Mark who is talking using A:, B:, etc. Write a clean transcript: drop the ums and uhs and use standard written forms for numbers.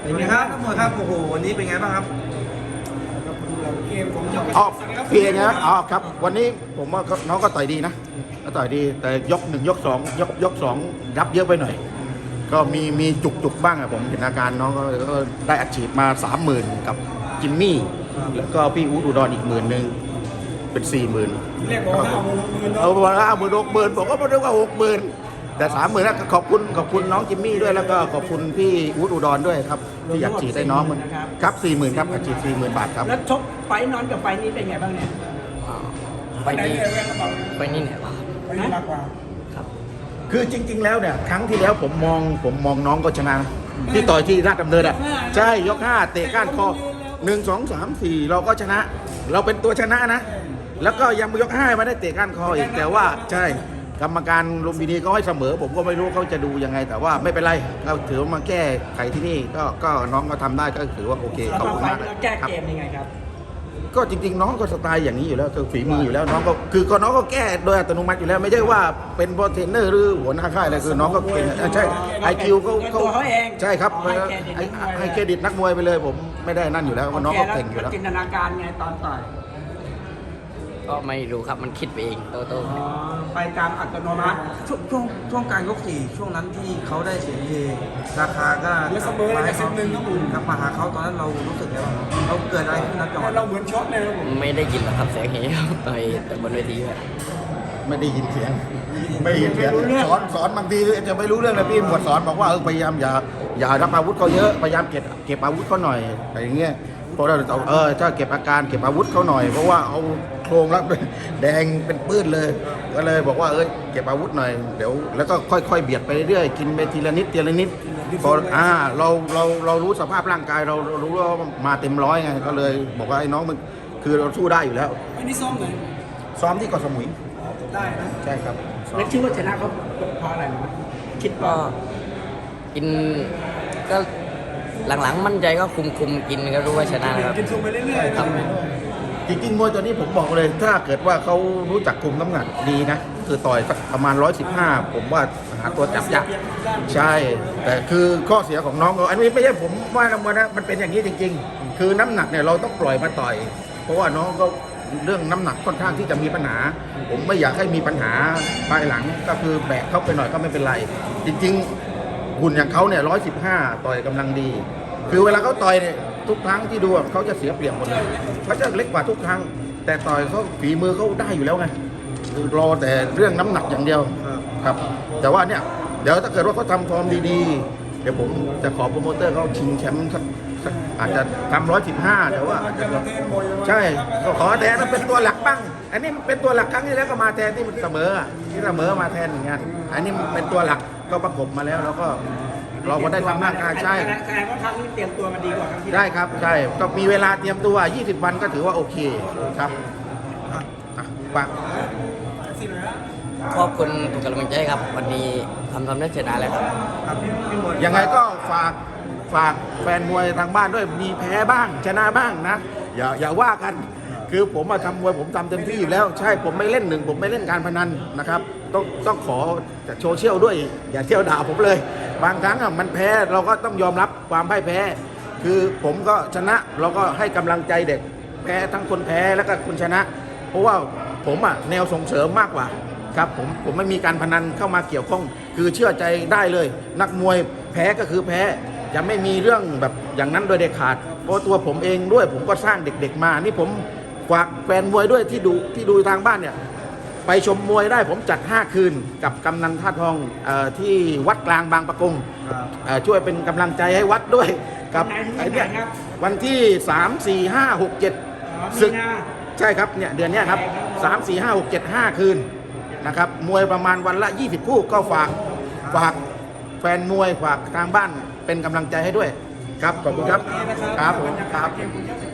A: เป็นไงครับทั้งหมดครับโอ้โหวันนี้เป็นไงบ้างครับ
B: เกมผม
C: อ๋อเพียงนะอ๋อครับวันนี้ผมว่าน้องก็ต่อยดีนะก็ต่อยดีแต่ยก 1 ยก 2ยก 2รับเยอะไปหน่อยก็มีจุกบ้างอะผมเห็นอาการน้องก็ได้อัดฉีดมา 30,000กับจิมมี่แล้วก็พี่อู๊ดอุดรอีก10,000เป็น 40,000
B: เรียกบอก50,000
C: เอาวันละ50,000 60,000ผมก็ไม่ได้ว่า60,000แต่ 30,000นะขอบคุณน้องจิมมี่ด้วยแล้วก็ขอบคุณพี่อู๊ดอุดรด้วยครับที่อยากฉีดให้น้องมันครับ 40,000ครับอัดฉีด 40,000 บาทครับ
B: แล้วชกไฟนอนกับไฟนี้เป็นไงบ้างเนี่ย
D: ไฟนี้เนี่ย
B: ไฟนี้มากกว่า
D: ครับ
C: คือจริงๆแล้วเนี่ยครั้งที่แล้วผมมองน้องก็ชนะนะที่ต่อยที่ราชดำเนินอ่ะใช่ยก 5เตะก้านคอ1 2 3 4เราก็ชนะ เราเป็นตัวชนะนะแล้วก็ยังยก 5มาได้เตะก้านคออีกแต่ว่าใช่กรรมการลุมพินีเขาให้เสมอผมก็ไม่รู้เขาจะดูยังไงแต่ว่าไม่เป็นไรเราถือว่ามาแก้ไขที่นี่ก็น้องก็ทำได้ก็ถือว่าโอเคขอบคุณมากเลย
B: แก้เกมยังไงครับ
C: ก็จริงๆน้องก็สไตล์อย่างนี้อยู่แล้วคือฝีมืออยู่แล้วน้องก็คือน้องก็แก้โดยอัตโนมัติอยู่แล้วไม่ใช่ว่าเป็นโปรเทรนเนอร์หรือหัวหน้าค่ายอะไรคือน้องก็เก่งใช่ไอคิวเขาใช่ครับให้เครดิตนักมวยไปเลยผมไม่ได้นั่นอยู่แล้วน้องก็เก่งอยู่แล้ว
B: จินตนาการไงตอนต่อย
D: ก็ไม่รู้ครับมันคิดไปเองโต
B: ไปตามอัตโนมัติ
A: ช่วงกลางยก 4ช่วงนั้นที่เขาได้เสียงเฮราคาก็
B: มาให้1ครับ
A: มาหาเขาตอนนั้นเรารู้สึกยังไงเราเกิดอะไรขึ้นนะจังหวะ
B: เราเหมือนช็อตเลยครับผม
D: ไม่ได้ยินหรอกครับเสียงเฮต่อยแต่บนเวที
C: ไม่ได้ยินเสียงไม่ได้ยินเสียงสอนบางทีจะไม่รู้เรื่องเลยพี่หมวดสอนบอกว่าพยายามอย่ารับอาวุธเขาเยอะพยายามเก็บอาวุธเขาหน่อยอะไรอย่างเงี้ยเพราะเราถ้าเก็บอาการเก็บอาวุธเขาหน่อยเพราะว่าเอาโครงแล้วแดงเป็นปื้นเลยก็เลยบอกว่าเก็บอาวุธหน่อยเดี๋ยวแล้วก็ค่อยๆเบียดไปเรื่อยกินไปทีละนิดพอเรารู้สภาพร่างกายเรารู้ว่ามาเต็มร้อยไงก็เลยบอกว่าไอ้น้องมันคือเราสู้ได้อยู่แล้ว
B: อันนี้ซ้อมไหน
C: ซ้อมที่เกาะสมุย
B: ได้นะ
C: ใช่ครับ
B: แล้วคิดว่าชนะเขาเพราะอะไรนะคิด
D: ก็กินก็หลังๆมั่นใจก็คุมกินก็รู้ว่าชนะครับ
B: กินซุมไปเรื่อยๆครับ
C: จริงๆมวยตัวนี้ผมบอกเลยถ้าเกิดว่าเขารู้จักคุมน้ำหนักดีนะคือต่อยประมาณ115ผมว่าหาตัวจับยากใช่แต่คือข้อเสียของน้องอันนี้ไม่ใช่ผมว่านะมันเป็นอย่างนี้จริงๆคือน้ำหนักเนี่ยเราต้องปล่อยมาต่อยเพราะว่าน้องก็เรื่องน้ำหนักค่อนข้างที่จะมีปัญหาผมไม่อยากให้มีปัญหาภายหลังก็คือแบกเข้าไปหน่อยก็ไม่เป็นไรจริงๆหุ่นอย่างเขาเนี่ย115ต่อยกำลังดีคือเวลาเขาต่อยเนี่ยทุกครั้งที่ดูเขาจะเสียเปรียบหมดเลยเขาจะเล็กกว่าทุกครั้งแต่ต่อยเขาฝีมือเขาได้อยู่แล้วไงคือรอแต่เรื่องน้ำหนักอย่างเดียวครับแต่ว่าเนี่ยเดี๋ยวถ้าเกิดว่าเขาทำฟอร์มดีๆเดี๋ยวผมจะขอโปรโมเตอร์เขาชิงแชมป์อาจจะทำ115แต่ว่าใช่ก็ขอแทนเป็นตัวหลักบ้างอันนี้เป็นตัวหลักครั้งที่แล้วก็มาแทนที่เสมอมาแทนเหมือนกันอันนี้เป็นตัวหลักก็ประกบมาแล้วแล้วก็เราก็ได้ทำหน้างานใช่
B: แสดงว่าครั้งนี้เตรียมตัวมาดีกว่าครั้งที่
C: ได้ครับใช่ก็มีเวลาเตรียมตัว20 วันก็ถือว่าโอเคครับฝาก
D: ขอบคุณทุกกำลังใจครับวันนี้ทำได้ชนะแล้วครับ
C: ยังไงก็ฝากแฟนมวยทางบ้านด้วยมีแพ้บ้างชนะบ้างนะอย่าว่ากันคือผมมาทำมวยผมทำเต็มที่อยู่แล้วใช่ผมไม่เล่นผมไม่เล่นการพนันนะครับต้องขอจากโซเชียลด้วยอย่าเที่ยวด่าผมเลยบางครั้งมันแพ้เราก็ต้องยอมรับความพ่ายแพ้คือผมก็ชนะเราก็ให้กำลังใจเด็กแพ้ทั้งคนแพ้แล้วก็คนชนะเพราะว่าผมแนวส่งเสริมมากกว่าครับผมไม่มีการพนันเข้ามาเกี่ยวข้องคือเชื่อใจได้เลยนักมวยแพ้ก็คือแพ้จะไม่มีเรื่องแบบอย่างนั้นโดยเด็ดขาดเพราะตัวผมเองด้วยผมก็สร้างเด็กๆมานี่ผมฝากแฟนมวยด้วยที่ดูทางบ้านเนี่ยไปชมมวยได้ผมจัด5คืนกับกำนันท่าทองที่วัดกลางบางปะกงช่วยเป็นกำลังใจให้วัดด้วยกับไอ้เนี่ยวันที่3 4 5 6 7ศึกใช่ครับเนี่ยเดือนนี้ครับ3 4 5 6 7 5คืนนะครับมวยประมาณวันละ20คู่ก็ฝากแฟนมวยฝากทางบ้านเป็นกำลังใจให้ด้วยครับขอบคุณครับครับผมครับ